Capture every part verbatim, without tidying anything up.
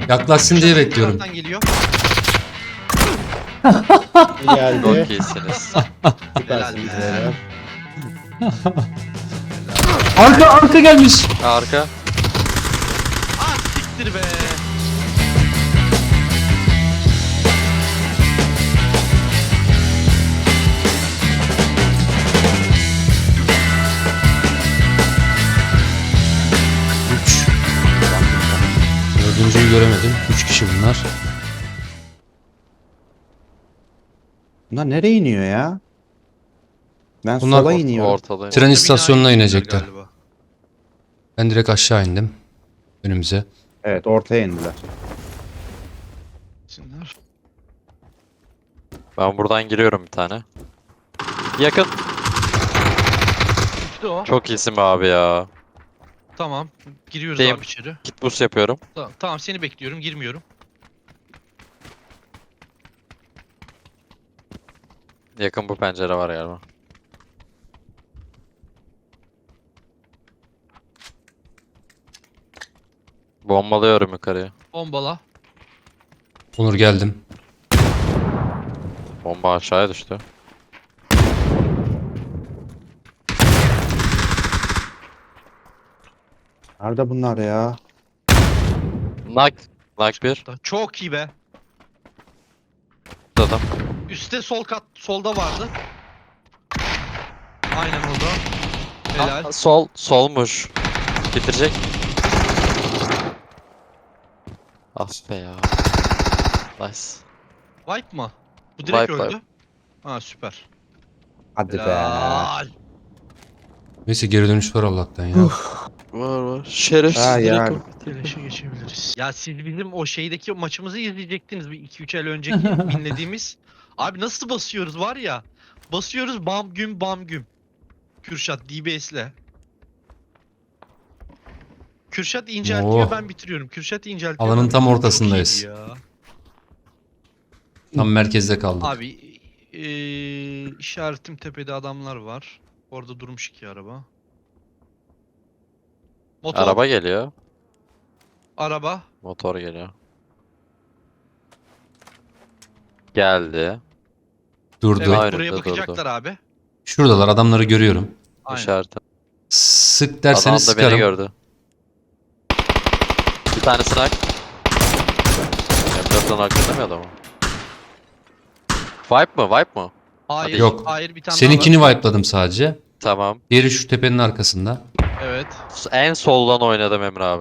Yaklaşsın diye bekliyorum. Geliyor. Geldi. Çok iyisiniz. Süpersiniz Helal be. beyler. Arka arka gelmiş. Arka. Ah siktir be. üç. Dördüncüyü göremedim. üç kişi bunlar. Bunlar nereye iniyor ya? Ben Bunlar sola or- iniyorum. Ortadayım. Tren Orta istasyonuna binaya inecekler. galiba. Ben direkt aşağı indim. Önümüze. Evet, ortaya indiler. Sinler. Ben buradan giriyorum bir tane. Yakın. İşte o. Çok iyisin be abi ya. Tamam. Giriyoruz Deyim. abi içeri. Git boost yapıyorum. Tamam, tamam seni bekliyorum. Girmiyorum. Yakın bu pencere var galiba. Bombalıyorum yukarıya. Bombala. Onur geldim. Bomba aşağıya düştü. Nerede bunlar ya? Knock. Knock bir. Çok iyi be. Adam. Üste sol kat solda vardı. Aynen orada. Helal. Aa, sol. Solmuş. Bitirecek. Ah be ya. Nice. Wipe mı? Bu direkt Wipe, öldü. wipe. Ha süper. Hadi be. Helal. Neyse geri dönüş var Allah'tan ya. Var var. Şerefsiz. Ha, direkt yani. o. Teleşe geçebiliriz. Ya siz bizim o şeydeki maçımızı izleyecektiniz bir iki üç el önceki dinlediğimiz. Abi nasıl basıyoruz var ya. Basıyoruz bam güm bam güm. Kürşat D B S'le. Kürşat inceltiyor Oh. ben bitiriyorum. Kürşat inceltiyor. Alanın ben tam bitiriyorum. Çok ortasındayız. iyiydi ya. Tam merkezde kaldık. Abi eee işaretim tepede adamlar var. Orada durmuş iki araba. Motor, araba. Araba geliyor. araba. Motor geliyor. Geldi. Durdu. Evet Aynen, buraya durdu, bakacaklar abi. Şuradalar, adamları görüyorum. Aynen. İşareti. Sık Adam derseniz da beni sıkarım. gördü. Bir tane snipe. M dörtten arkada mı adamı? Vibe mı? Vibe mı? Hayır, Yok. hayır bir tane Seninkini daha var. wipe'ladım sadece. Tamam. Diğeri şu tepenin arkasında. Evet. En soldan oynadım Emre abi.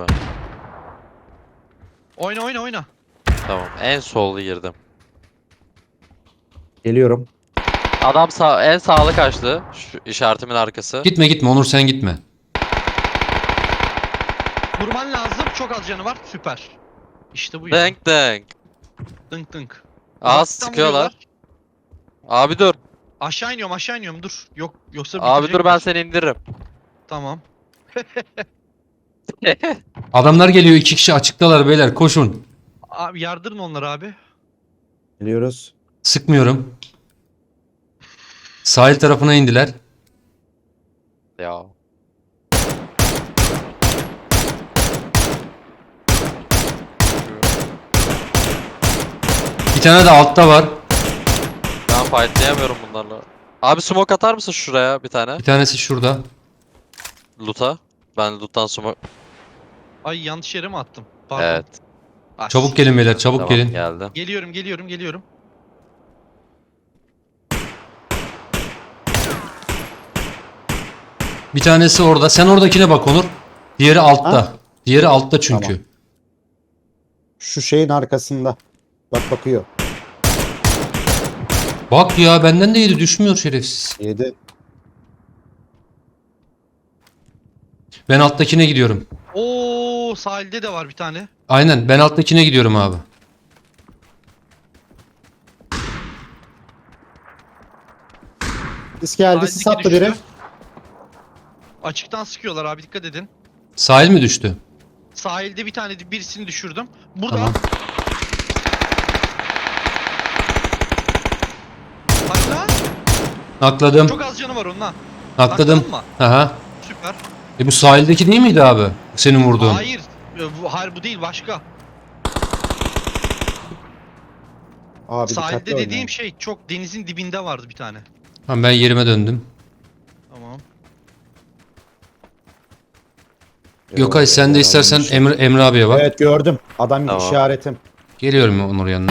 Oyna oyna oyna. Tamam. En solda girdim. Geliyorum. Adam sağ, en sağlı kaçtı. Şu işaretimin arkası. Gitme gitme Onur, sen gitme. Vurman lazım. Çok az canı var. Süper. İşte bu ya. Denk denk. Dınk dınk. Aa Uzaktan sıkıyorlar. vuruyorlar. Abi dur. Aşağı iniyorum aşağı iniyorum dur. Yok yoksa Abi dur ben bitirecekler. seni indiririm. Tamam. Adamlar geliyor, iki kişi açıktalar beyler, koşun. Abi yardırın onları abi. Geliyoruz. Sıkmıyorum. Sahil tarafına indiler. Ya. Bir tane de altta var. Ben fightlayamıyorum bunlarla. Abi smoke atar mısın şuraya bir tane? Bir tanesi şurada. Loot'a. Ben loot'tan smoke... Ay yanlış yere mi attım? Pardon. Evet. Ah, Çabuk gelin beyler, çabuk Tamam gelin. geldi. Geliyorum geliyorum geliyorum. Bir tanesi orada. Sen oradakine bak Onur. Diğeri altta. Ha? Diğeri altta çünkü. Tamam. Şu şeyin arkasında. Bak bakıyor. Bak ya, benden de yedi, düşmüyor şerefsiz. Yedi. Ben alttakine gidiyorum. Oo sahilde de var bir tane. Aynen, ben alttakine gidiyorum abi. Sis geldi. Sahildeki Sis attı düştü. biri. Açıktan sıkıyorlar abi dikkat edin. Sahil mi düştü? Sahilde bir tane birisini düşürdüm. Burada. Tamam. Hadi lan. Nakladım. Çok az canı var onun ha. Nakladım. Nakladın mı? Aha. Süper. E bu sahildeki değil miydi abi? Senin vurduğun. Hayır. e, Bu, hayır bu değil başka. Abi dikkatli Sahilde oynayın. dediğim şey çok denizin dibinde vardı bir tane. Tamam ben yerime döndüm. Tamam. Gökay sen de istersen Emre, Emre abiye bak. Evet gördüm. Adam Tamam. işaretim. Geliyorum Onur yanına.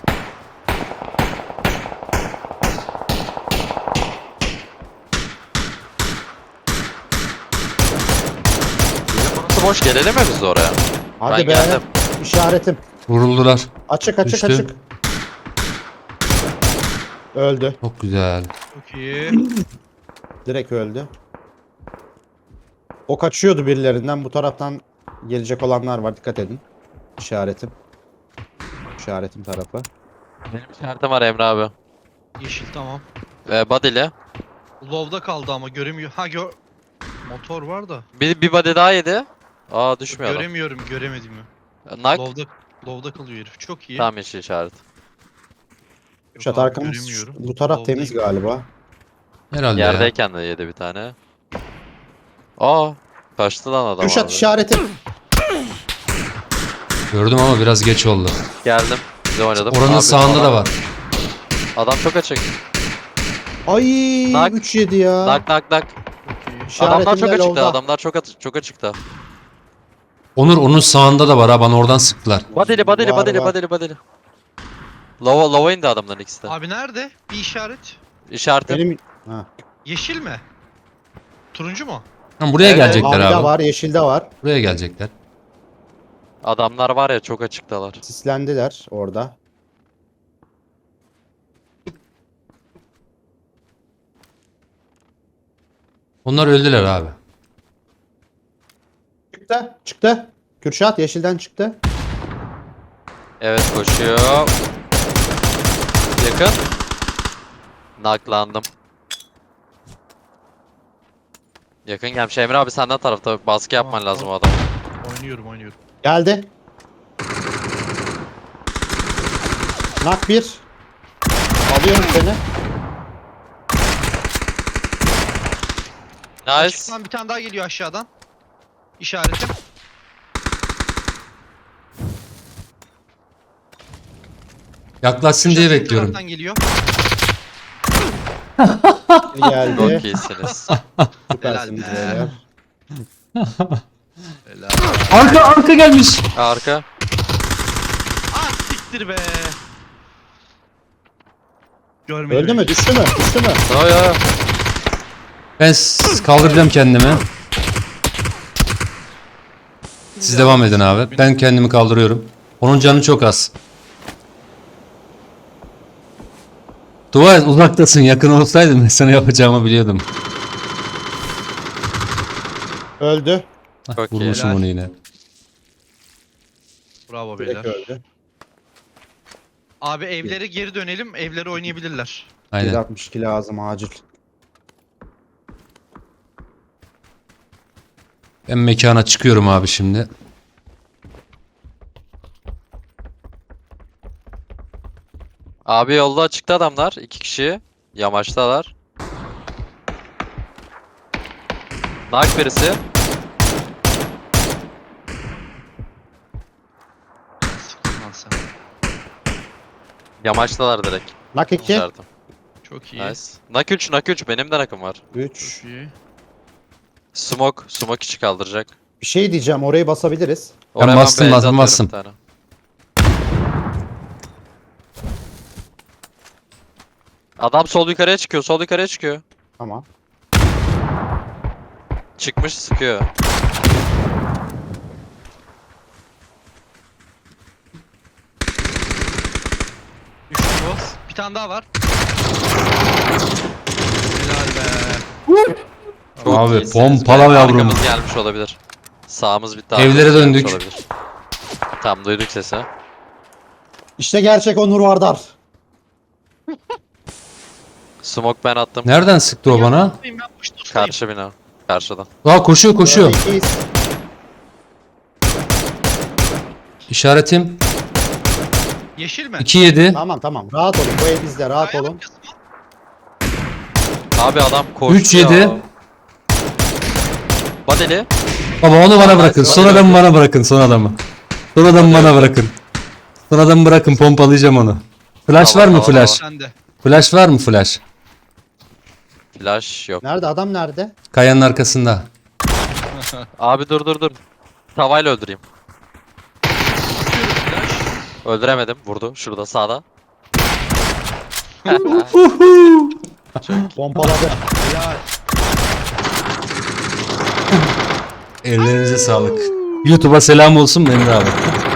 Burası boş, gelelim mi biz de oraya? Hadi Ben be. geldim. İşaretim. Vuruldular. Açık açık Düştü. açık. Öldü. Çok güzel. Çok iyi. Direkt öldü. O kaçıyordu birilerinden. Bu taraftan gelecek olanlar var. Dikkat edin. İşaretim. İşaretim tarafı. Benim işaretim var Emre abi. Yeşil tamam. Ee, body'li. Low'da kaldı ama göremiyor. Ha gör. Motor var da. Bir, bir body daha yedi. Aa düşmüyor adam. Göremiyorum, göremedim ya. Knock. Low'da Low'da kalıyor herif. Çok iyi. Tam yeşil işaret. Yok Şat abi, arkamız. göremiyorum. Bu taraf Low'dayım. temiz galiba. Herhalde ya. Yerdeyken de yedi bir tane. Aa kaçtı lan adam Kürşat abi. işaretim. Gördüm ama biraz geç oldu. Geldim. Bize oynadım. Oranın Abi, sağında adam- da var. Adam çok açık. Ay Nak. üç yedi ya. Nak nak nak. Çok iyi. İşaretimde Adamlar çok açıkta. low'da. Adamlar çok at- çok açıkta. Onur onun sağında da var ha, bana oradan sıktılar. Body'li body'li Var, body'li var. body'li body'li. Lova lova indi adamların ikisi de. Abi nerede? Bir işaret. İşaretim. Benim ha. Yeşil mi? Turuncu mu? Tamam, buraya Evet. gelecekler Mavide abi. var, yeşilde var. Buraya gelecekler. Adamlar var ya çok açıktalar. Sislendiler orada. Onlar öldüler abi. Çıktı. Çıktı. Kürşat yeşilden çıktı. Evet koşuyor. Yakın. Naklandım. Yakın gelmiş. Emre abi senden tarafta baskı yapman Tamam, lazım o tamam. adam. Oynuyorum, oynuyorum. Geldi. Nak bir. Alıyorum seni. Nice. Açıktan bir tane daha geliyor aşağıdan. İşaretim. Yaklaşsın diye Kürşat, bu bekliyorum. taraftan geliyor. Bir geldi. Çok iyisiniz. Süpersiniz Helal be. beyler. Helal. Arka arka gelmiş. Arka. Ah siktir be. Görmedim. Öldü mü? Düştü mü? Düştü mü? Yo yo. Ben s- kaldıracağım kendimi. Siz devam edin abi. Ben kendimi kaldırıyorum. Onun canı çok az. Dua et uzaktasın. Yakın olsaydın ben sana yapacağımı biliyordum. Öldü. Hah, Çok iyi. vurmuşum Helal. onu yine. Bravo Direkt beyler. öldü. Abi evlere geri dönelim. Evlere oynayabilirler. yedi Aynen. altmış iki lazım acil. Ben mekana çıkıyorum abi şimdi. Abi yolda açıkta adamlar. İki kişi. Yamaçtalar. Nak birisi. Sıktın lan sen. Yamaçtalar direkt. Nak iki. İşaretim. Çok iyi. Nice. Nak üç, nak üç. Benim de nakım var. üç. Çok iyi. Smoke. Smoke içi kaldıracak. Bir şey diyeceğim. Orayı basabiliriz. Oraya bastım, base bastım, atıyorum bastım. bir tane. Adam sol yukarıya çıkıyor. Sol yukarıya çıkıyor. Tamam. Çıkmış sıkıyor. Düştü bu. Bir tane daha var. Helal be. Çok Abi, iyisiniz. pompala Be, yavrum. Arkamız gelmiş olabilir. Sağımız bitti. Evlere arkamız gelmiş döndük. olabilir. Tam duyduk sesi. İşte gerçek Onur Vardar. Smoke ben attım. Nereden sıktı o bana? Yanındayım, ben puşta ustayım. Karşı bina. Karşıdan. Aa koşuyor koşuyor. İkiyiz. İşaretim Yeşil mi? iki yedi. Tamam tamam. Rahat olun. Bu ev bizde. Rahat Kaya olun. bakıyorsun mu? Abi adam koştu üç ya. yedi. Badeli. Baba onu bana Tamam, bırakın. hadi Son adamı bakalım. bana bırakın. Son adamı. Son adamı Hadi bana bakalım. bırakın. Son adamı bırakın. Pompalayacağım onu. Flash var Tamam, mı tamam, flash? Sen de. Flash var mı flash? Flash yok. Nerede adam nerede? Kayanın arkasında. Abi dur dur dur. Tavayla öldüreyim. Öldüremedim. Vurdu. Şurada sağda. Pompaladı. Ya Ellerinize sağlık. YouTube'a selam olsun Emre abi.